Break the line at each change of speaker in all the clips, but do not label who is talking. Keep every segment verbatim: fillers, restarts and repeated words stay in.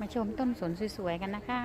มาชมต้นสนสวยๆกันนะคะ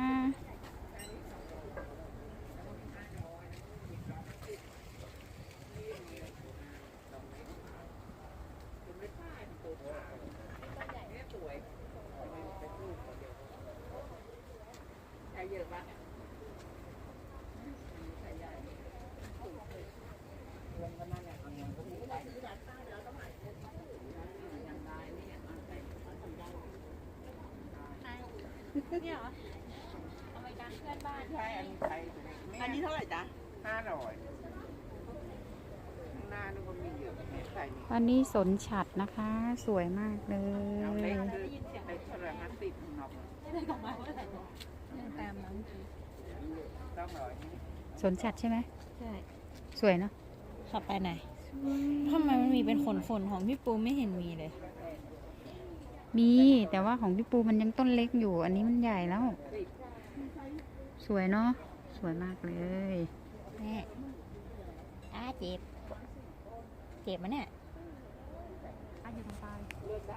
เนี่ยเหรออเมริกันเพื่อนบ้านใช่อันนี้ไทย
อันนี้เท่าไหร่จ๊ะ
ห้าร้อยข้างหน้านึกว่ามีเยอะใส่นี่
วันนี้สนฉัดนะคะ สวยมากเลย
เอาเล็กคือเล็กเท่าไหร่ห้าสิบนอก
ได้กลับมาเมื่อไหร่ตามนั้น
ต้องร้อย
สนฉัดใช่ไหม
ใช่
สวยเนาะ
ขับไปไหนทำไมมันมีเป็นขนขนของพี่ปูไม่เห็นมีเลย
มีแต่ว่าของพี่ปูมันยังต้นเล็กอยู่ อันนี้มันใหญ่แล้ว สวยเนาะสวยมากเลย
แม่อาเจ็บเจ็บมั้ยเนี่ย
อาอยู่ตรงปลาย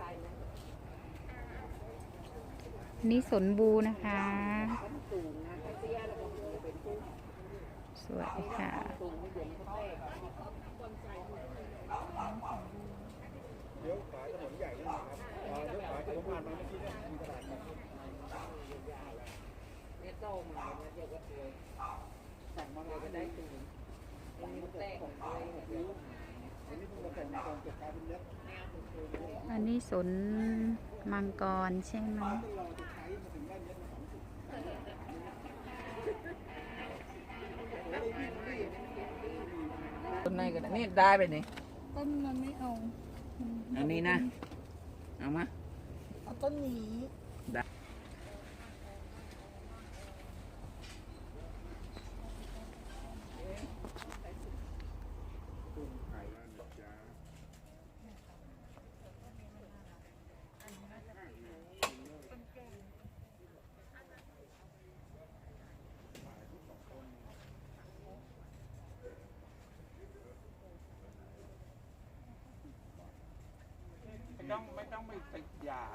นี่สนบูนะคะสวยค่ะ
เลี้ยวขวาถนนใหญ่นะครับเลี้ยวขวาที่ผมผ่านมาเมื่อกี้เนี่ยมีตลาดนัด
เนี่ยโต้มาเนี่ยเดี๋ยวก็เลยสั่งมาเลยก็ได้ตูนอันนี้มันแตกของเลยเนี่ย
อันนี้เพิ่งมาแต่งตอนเก็บปลาเป็นเล็บ
อันนี้สนมังกรใช่ไหม
ต้นไหนก็ได้นี่ได้ไปนี่
ต้นมันไม่เอา
อันนี้นะเอามา
เอาต้นนี้
ได้ไม่ต้องไม่ต้องไปติดยา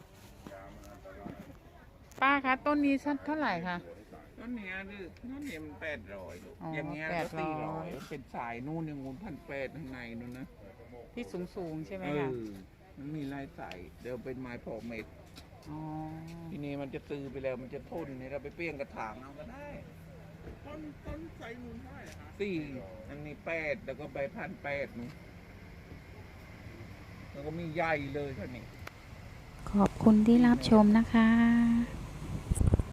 ป้าคะต้นนี้สักเท่าไหร่คะ
ต้นเนี้ยดื้อต้นเนี้ยมันแปดร้อยลูก
อ๋อ
อย่างเงี้ย
แป
ก็
ดร้
สี่
อย
ร้อยเป็นสายนู่นอย่างงูนพันแปดข้างในนู่นนะ
ที่สูงสูงๆใช่ไหม
เอ
คะ
อมันมีลายสายเดี๋ยวเป็นไม้พอเม็ด
อ๋อ
ทีนี้มันจะตื้อไปแล้วมันจะทนเนี่ยเราไปเปลี่ยนกระถางเอาก็ได้
ต้นต้นไทรมูลเท่าไหร่คะ
สี่อันนี้แปดแล้วก็ใบพันแปดนู่นแล้วก็มีใหญ่เลยท่านี้
ขอบคุณที่รับชมนะคะ